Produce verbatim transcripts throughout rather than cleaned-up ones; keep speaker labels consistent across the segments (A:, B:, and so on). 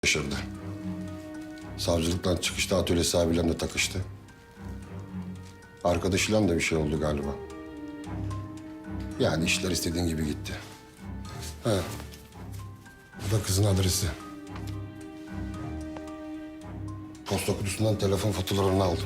A: yaşadı. Savcılıktan çıkışta atölye sahibiyle takıştı. Arkadaşıyla da bir şey oldu galiba. Yani işler istediğin gibi gitti. He. Bu da kızın adresi. Posta kutusundan telefon faturalarını aldım.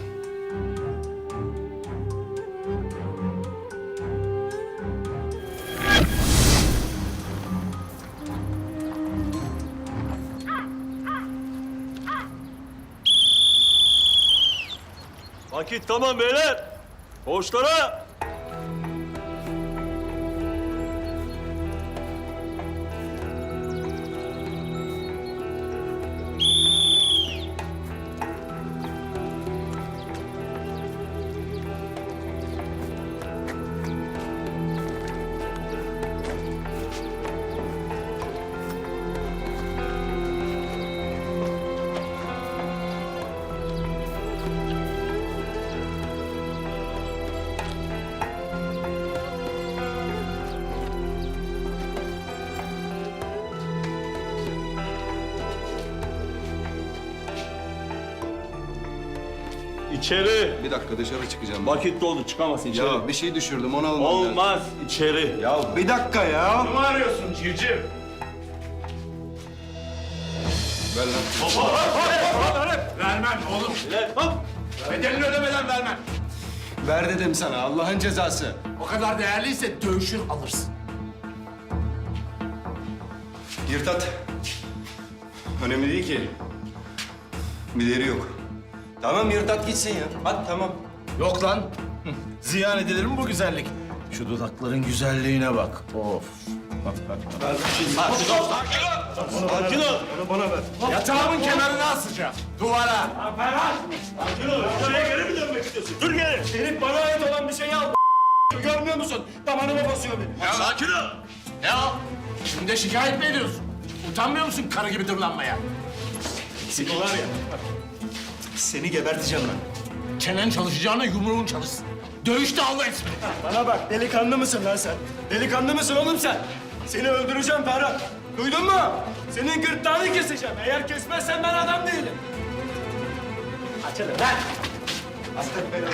B: Vakit tamam beyler. Koğuşlara. İçeri.
C: Bir dakika dışarı çıkacağım.
B: Vakit doldu, çıkamazsın içeri.
C: Ya bir şey düşürdüm onu almam lazım.
B: Olmaz, içeri.
C: Ya bir dakika ya.
D: Ne arıyorsun civciv?
C: Ver lan.
D: Vermem oğlum.
B: Beyler, hop.
D: Bedelini ödemeden vermem.
C: Ver dedim sana Allah'ın cezası.
D: O kadar değerliyse dövüşür alırsın.
C: Yırtat. Önemli değil ki. Bideri yok. Tamam yırtat gitsin ya. Hadi tamam.
D: Yok lan. Hı, ziyan edilir mi bu güzellik? Şu dudakların güzelliğine bak. Of.
B: Sakin ol.
D: Yatağımın kenarına asacağım. Duvara.
B: Sakin ol. Şuraya geri mi dönmek istiyorsun? Dur geri.
D: Herif bana ait olan bir şeyi al. Görmüyor musun? Damarıma basıyor beni.
B: Ya. Sakin ol.
D: Ne al? Şimdi de şikayet mi ediyorsun? Utanmıyor musun karı gibi dırlanmaya?
B: Seni var ya.
C: Seni geberteceğim ben.
D: Çenen çalışacağına yumruğun çalışsın. Dövüşte Allah etsin.
C: Bana bak delikanlı mısın lan sen? Delikanlı mısın oğlum sen? Seni öldüreceğim Ferhat. Duydun mu? Senin gırtlağını keseceğim. Eğer kesmezsen ben adam değilim. Açalım lan. Aslan beni.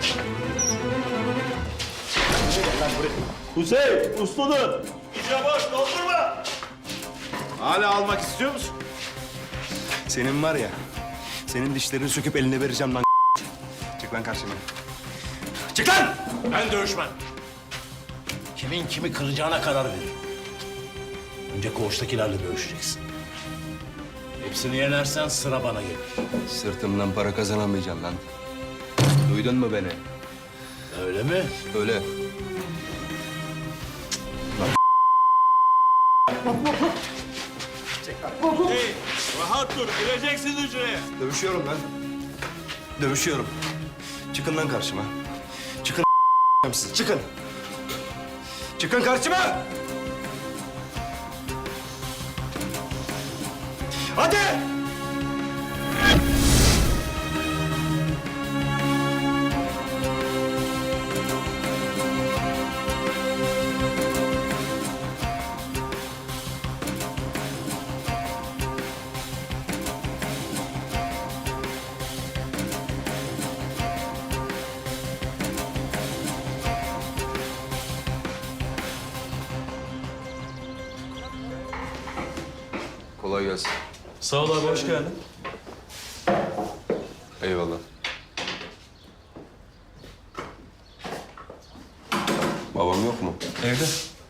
B: Hüseyin, usludur. İçe boş, doldurma.
D: Hala almak istiyor musun?
C: Senin var ya, senin dişlerini söküp eline vereceğim lan. Çık lan karşıma.
D: Çık lan! Ben dövüşmem. Kimin kimi kıracağına karar verir. Önce koğuştakilerle dövüşeceksin. Hepsini yenersen sıra bana gelir.
C: Sırtımdan para kazanamayacağım lan. Duydun mu beni?
D: Öyle mi?
C: Öyle.
B: Hey, rahat dur. Gireceksin hücreye.
C: Dövüşüyorum lan. Dövüşüyorum. Çıkın lan karşıma. Çıkın siz, çıkın. Çıkın karşıma! Hadi! Kolay gelsin.
B: Sağ ol abi, hoş geldin.
C: Eyvallah. Babam yok mu?
B: Evde.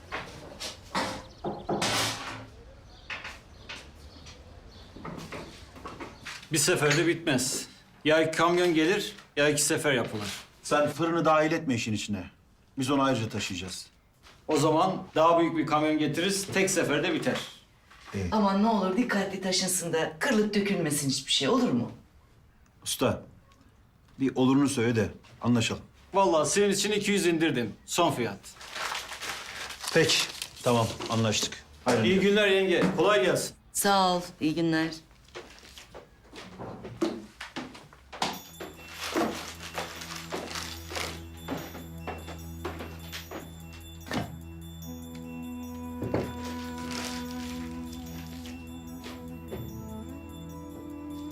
E: Bir seferde bitmez. Ya iki kamyon gelir ya iki sefer yapılır.
F: Sen fırını dahil etme işin içine. Biz onu ayrıca taşıyacağız.
E: O zaman daha büyük bir kamyon getiririz, tek seferde biter.
G: Aman ne olur dikkatli taşınsın da kırılıp dökülmesin hiçbir şey, olur mu?
F: Usta, bir olurunu söyle de anlaşalım.
E: Vallahi senin için iki yüz indirdim. Son fiyat.
F: Peki, tamam anlaştık. Hayırlı.
E: İyi günler yenge. Kolay gelsin.
G: Sağ ol, iyi günler.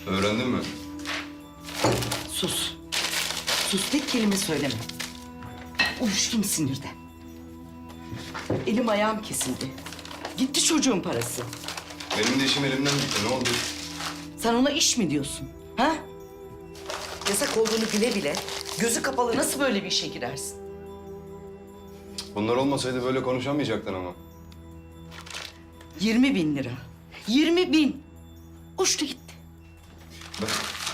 A: Öğrendin mi?
G: Sus. Sus, tek kelime söyleme. Uyuştum sinirden. Elim ayağım kesildi. Gitti çocuğun parası.
A: Benim de işim elimden gitti. Ne oldu?
G: Sen ona iş mi diyorsun? Ha? Yasak olduğunu bile bile gözü kapalı nasıl böyle bir işe girersin?
A: Bunlar olmasaydı böyle konuşamayacaktın ama.
G: Yirmi bin lira. Yirmi bin. Uçtu gitti.
A: Ben...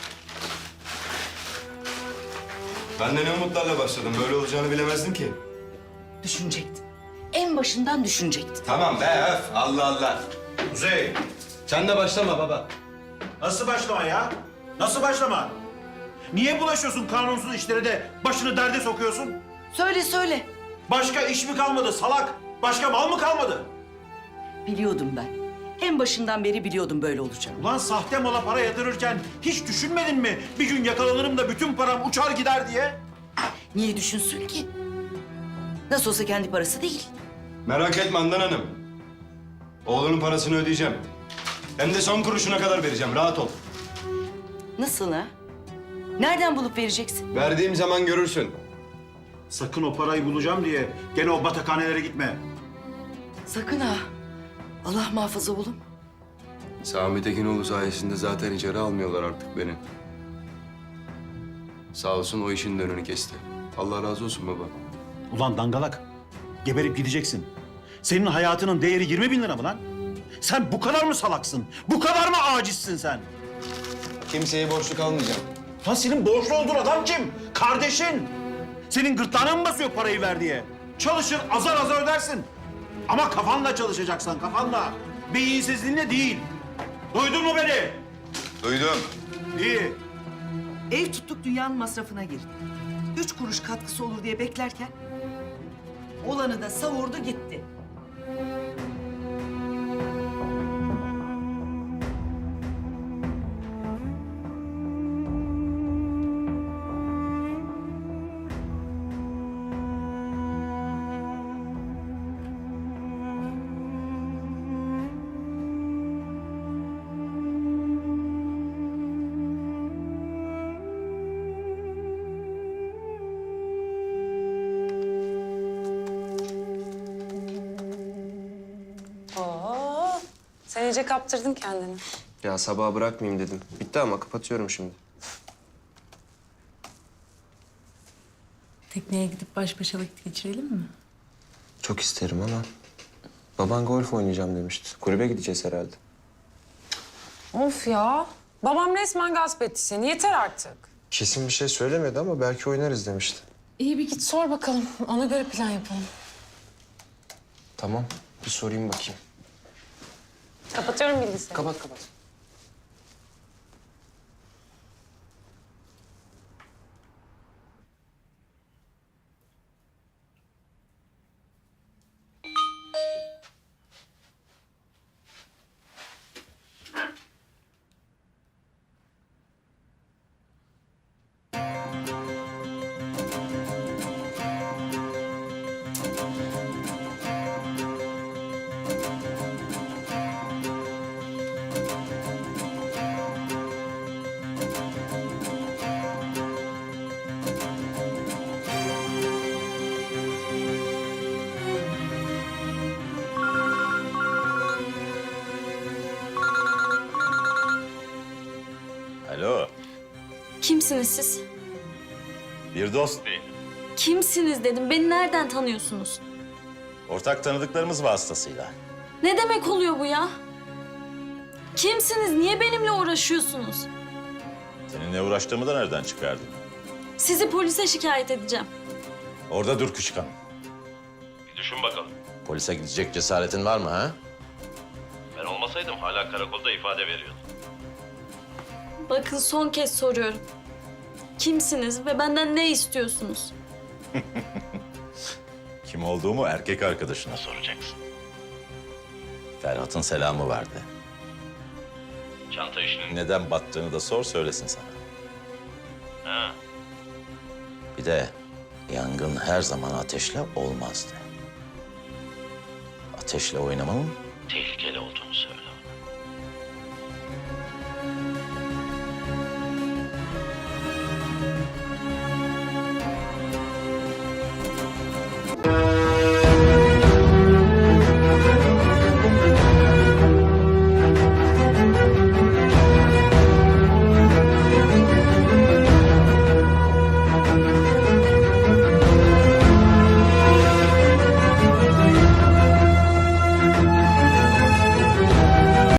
A: Ben de ne umutlarla başladım. Böyle olacağını bilemezdim ki.
G: Düşünecektin. En başından düşünecektin.
A: Tamam be öf. Allah Allah.
F: Kuzey,
A: Sen de başlama baba.
F: nasıl başlama ya? Nasıl başlama? Niye bulaşıyorsun kanunsuz işlere de başını derde sokuyorsun?
G: Söyle söyle.
F: Başka iş mi kalmadı salak? Başka mal mı kalmadı?
G: Biliyordum ben. En başından beri biliyordum böyle olacağını.
F: Ulan sahte mala para yatırırken hiç düşünmedin mi? Bir gün yakalanırım da bütün param uçar gider diye.
G: Niye düşünsün ki? Nasıl olsa kendi parası değil.
A: Merak etme Handan Hanım. Oğlunun parasını ödeyeceğim. Hem de son kuruşuna kadar vereceğim. Rahat ol.
G: Nasıl ha? Nereden bulup vereceksin?
A: Verdiğim zaman görürsün.
F: Sakın o parayı bulacağım diye gene o batakhanelere gitme.
G: Sakın ha. Allah muhafaza oğlum.
A: Sami Tekinoğlu sayesinde zaten içeri almıyorlar artık beni. Sağ olsun o işin de önünü kesti. Allah razı olsun baba.
F: Ulan dangalak, geberip gideceksin. Senin hayatının değeri yirmi bin lira mı lan? Sen bu kadar mı salaksın? Bu kadar mı acizsin sen?
A: Kimseye borçlu kalmayacağım.
F: Lan senin borçlu olduğun adam kim? Kardeşin. Senin gırtlağına mı basıyor parayı ver diye? Çalışır azar azar ödersin. Ama kafanla çalışacaksan kafanla. Beyinsizliğinle değil. Duydun mu beni?
A: Duydum.
F: İyi.
G: Ev tuttuk dünyanın masrafına girdi. Üç kuruş katkısı olur diye beklerken... ...olanı da savurdu gitti.
H: Oo, sen iyice kaptırdın kendini.
I: Ya sabaha bırakmayayım dedim. Bitti ama kapatıyorum şimdi.
H: Tekneye gidip baş başa vakit geçirelim mi?
I: Çok isterim ama baban golf oynayacağım demişti. Kulübe gideceğiz herhalde.
H: Of ya. Babam resmen gasp etti seni. Yeter artık.
I: Kesin bir şey söylemedi ama belki oynarız demişti.
H: İyi bir git sor bakalım. Ona göre plan yapalım.
I: Tamam, bir sorayım bakayım.
H: Kapatıyorum bilgisayarı.
I: Kapat kapat.
B: Alo,
J: Kimsiniz siz?
B: bir dost değil.
J: Kimsiniz dedim. Beni nereden tanıyorsunuz?
B: Ortak tanıdıklarımız vasıtasıyla.
J: Ne demek oluyor bu ya? Kimsiniz? Niye benimle uğraşıyorsunuz?
B: Seninle uğraştığımı da nereden çıkardın?
J: Sizi polise şikayet edeceğim.
B: Orada dur küçük hanım.
K: Bir düşün bakalım.
E: Polise gidecek cesaretin var mı ha?
K: Ben olmasaydım hala karakolda ifade veriyordum.
J: Bakın son kez soruyorum. Kimsiniz ve benden ne istiyorsunuz?
B: Kim olduğumu erkek arkadaşına soracaksın. Ferhat'ın selamı vardı.
K: Çanta işinin...
B: Neden battığını da sor söylesin sana.
K: Ha,
E: Bir de yangın her zaman ateşle olmazdı. Ateşle oynamanın
K: tehlike